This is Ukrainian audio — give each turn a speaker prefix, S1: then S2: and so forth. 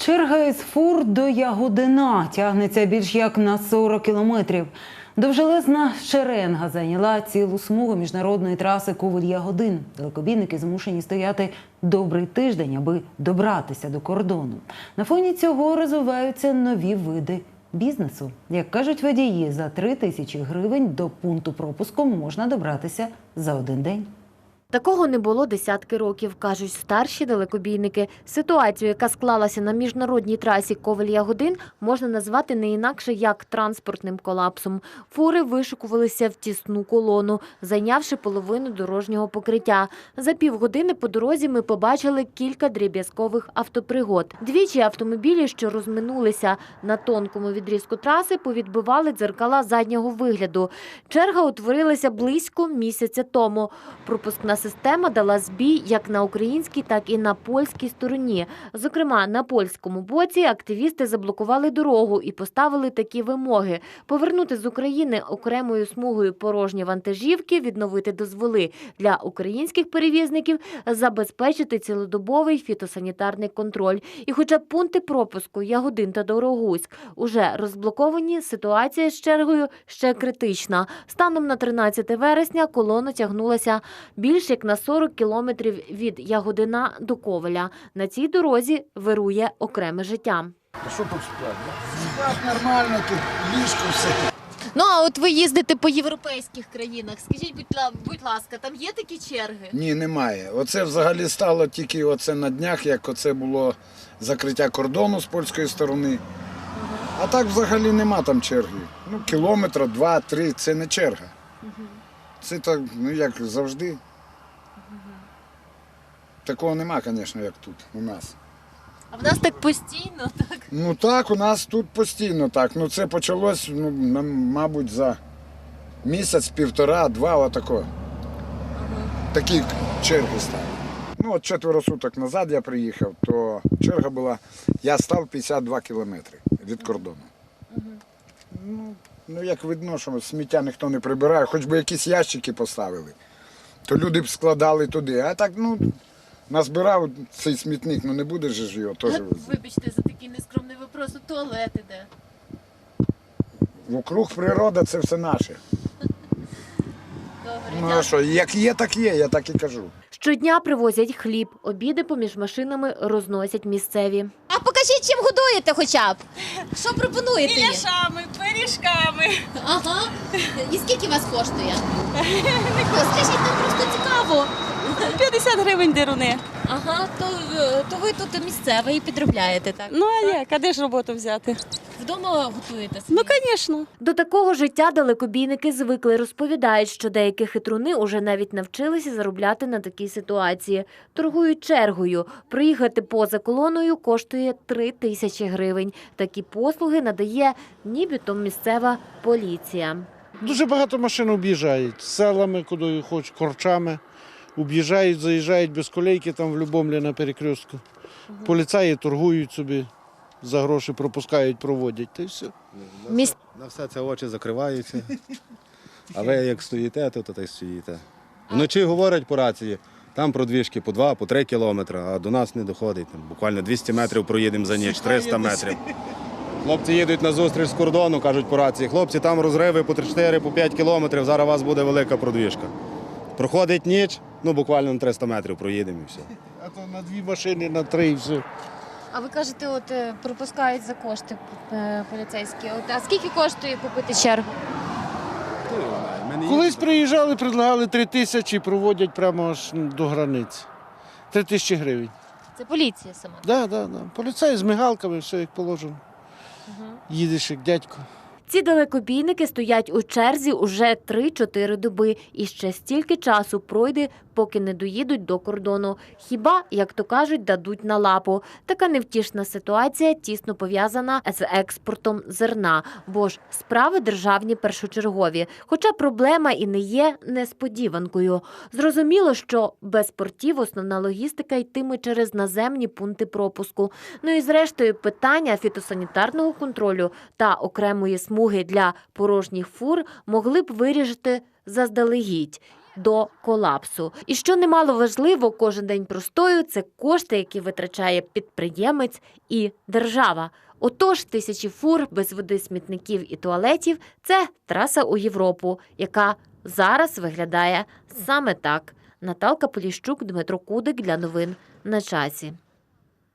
S1: Черга із фур до Ягодина тягнеться більш як на 40 кілометрів. Довжелезна шеренга зайняла цілу смугу міжнародної траси Ковель-Ягодин. Далекобійники змушені стояти добрий тиждень, аби добратися до кордону. На фоні цього розвиваються нові види бізнесу. Як кажуть водії, за 3000 гривень до пункту пропуску можна добратися за один день.
S2: Такого не було десятки років, кажуть старші далекобійники. Ситуацію, яка склалася на міжнародній трасі Ковель-Ягодин, можна назвати не інакше як транспортним колапсом. Фури вишикувалися в тісну колону, зайнявши половину дорожнього покриття. За півгодини по дорозі ми побачили кілька дріб'язкових автопригод. Двічі автомобілі, що розминулися на тонкому відрізку траси, повідбивали дзеркала заднього вигляду. Черга утворилася близько місяця тому. Пропускна система дала збій як на українській, так і на польській стороні. Зокрема, на польському боці активісти заблокували дорогу і поставили такі вимоги – повернути з України окремою смугою порожні вантажівки, відновити дозволи для українських перевізників, забезпечити цілодобовий фітосанітарний контроль. І хоча пункти пропуску Ягодин та Дорогуськ уже розблоковані, ситуація з чергою ще критична. Станом на 13 вересня колона тягнулася більш як на 40 кілометрів від Ягодина до Ковеля. На цій дорозі вирує окреме життя.
S3: А що тут спати? Спати нормально, тут ліжко все.
S2: Ну, а от ви їздите по європейських країнах. Скажіть, будь ласка, там є такі черги?
S3: Ні, немає. Оце взагалі стало тільки оце на днях, як оце було закриття кордону з польської сторони. А так взагалі нема там черги. Ну, кілометра, 2-3 – це не черга. Це так, ну як завжди. Такого нема, звісно, як тут у нас.
S2: А в нас так постійно, так?
S3: Ну так, у нас тут постійно так. Ну це почалось, ну, мабуть, за місяць, півтора-два, отако. Такі черги стали. Ну от 4 суток назад я приїхав, то черга була, я став 52 кілометри від кордону. Ну як видно, що сміття ніхто не прибирає, хоч би якісь ящики поставили, то люди б складали туди. А так, ну, назбирав цей смітник, ну не буде ж його теж везти.
S2: Вибачте за такий нескромний вопрос, туалет іде.
S3: Вокруг природа – це все наше.
S2: Добре,
S3: Ну а що, як є, так є, я так і кажу.
S2: Щодня привозять хліб, обіди поміж машинами розносять місцеві.
S4: А покажіть, чим годуєте хоча б. Що пропонуєте їм?
S5: Міляшами, пиріжками.
S4: Ага. І скільки вас коштує? Скажіть, нам просто цікаво.
S5: 50 гривень деруни.
S4: Ага, то ви тут місцевий і підробляєте, так?
S5: Ну а як? А де ж роботу взяти?
S4: Вдома готуєте собі?
S5: Ну, звісно.
S2: До такого життя далекобійники звикли. Розповідають, що деякі хитруни уже навіть навчилися заробляти на такій ситуації. Торгують чергою. Проїхати поза колоною коштує 3000 гривень. Такі послуги надає нібито місцева поліція.
S6: Дуже багато машин об'їжджають селами, куди хоч, корчами. Об'їжджають, заїжджають без колейки там в Любомлі на перекрестку. Поліцаї торгують собі, за гроші пропускають, проводять, та й все.
S7: На все це очі закриваються. А ви як стоїте, то та й стоїте. Вночі говорять по рації, там продвіжки по 2-3 кілометри, а до нас не доходить. Там буквально 200 метрів проїдемо за ніч, 300 метрів. Хлопці їдуть на зустріч з кордону, кажуть по рації, хлопці, там розриви по 3-4, по 5 кілометрів, зараз у вас буде велика продвіжка. Проходить ніч, ну буквально на 300 метрів проїдемо і все.
S6: А то на 2 машини, на 3 і все.
S4: А ви кажете, от пропускають за кошти поліцейські. А скільки коштує купити чергу?
S6: Колись приїжджали, предлагали 3000 і проводять прямо аж до границі. 3000 гривень.
S4: Це поліція сама.
S6: Так, так, так. Поліцаї з мигалками, все як положено. Їдеш як дядько.
S2: Ці далекобійники стоять у черзі уже 3-4 доби. І ще стільки часу пройде, поки не доїдуть до кордону. Хіба, як то кажуть, дадуть на лапу. Така невтішна ситуація тісно пов'язана з експортом зерна. Бо ж справи державні першочергові. Хоча проблема і не є несподіванкою. Зрозуміло, що без портів основна логістика йтиме через наземні пункти пропуску. Ну і зрештою питання фітосанітарного контролю та окремої смуги для порожніх фур могли б вирішити заздалегідь. до колапсу. І що немало важливо, кожен день простою – це кошти, які витрачає підприємець і держава. Отож, тисячі фур без води, смітників і туалетів – це траса у Європу, яка зараз виглядає саме так. Наталка Поліщук, Дмитро Кудик для новин на часі.